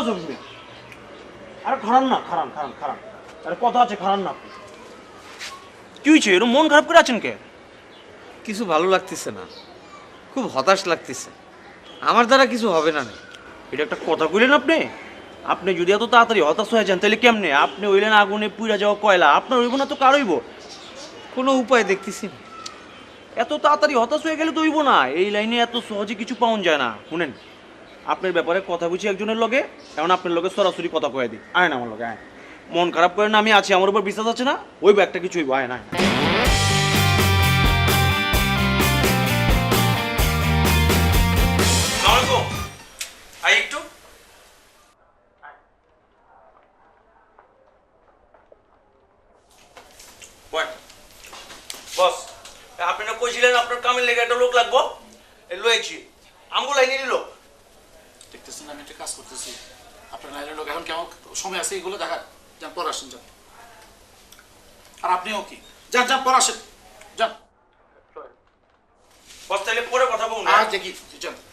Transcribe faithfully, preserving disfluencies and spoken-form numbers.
জমি আরে খারান না খারান খারান খারান আরে কথা আছে খারান না কি হয়েছে এরকম মন খারাপ করে আছেন কে? কিছু ভালো লাগতেছে না, খুব হতাশ লাগতেছে। আমার দ্বারা কিছু হবে না। এটা একটা কথা কইলেন আপনি? আপনি যদি এত তাড়াতাড়ি হতাশ হয়ে যান তাহলে কেমনে? আপনি হইলেন আগুনে পুড়ে যাওয়া কয়লা, আপনার হইব না তো কার হইব? কোনো উপায় দেখতেছি না। এত তাড়াতাড়ি হতাশ হয়ে গেলে তো হইব না, এই লাইনে এত সহজে কিছু পাওয়া যায় না। শুনেন, আপনার ব্যাপারে কথা বুঝি একজনের লগে, এখন আপনার লগে সরাসরি কথা কয়ে দিই। আয় না আমার লগে আয়, মন খারাপ করেন না, আমি আছি, আমার উপর বিশ্বাস আছে না? ওইব একটা কিছু হইব, আয় না। আই একটু বস, আপনি না কইছিলেন আপনার কামের লেগে একটা লোক লাগবো, লয়েছি আমগো লাইনে নিল। দেখতেছেন আমি একটা কাজ করতেছি, আপনার লাইনের লোক এখন কেমন সময় আছে এগুলো দেখার। যান পর আসেন, যান। আর আপনিও কি যান, যান পর আসেন, যান। বস তাহলে পরে কথা বলুন। আর দেখি, যান।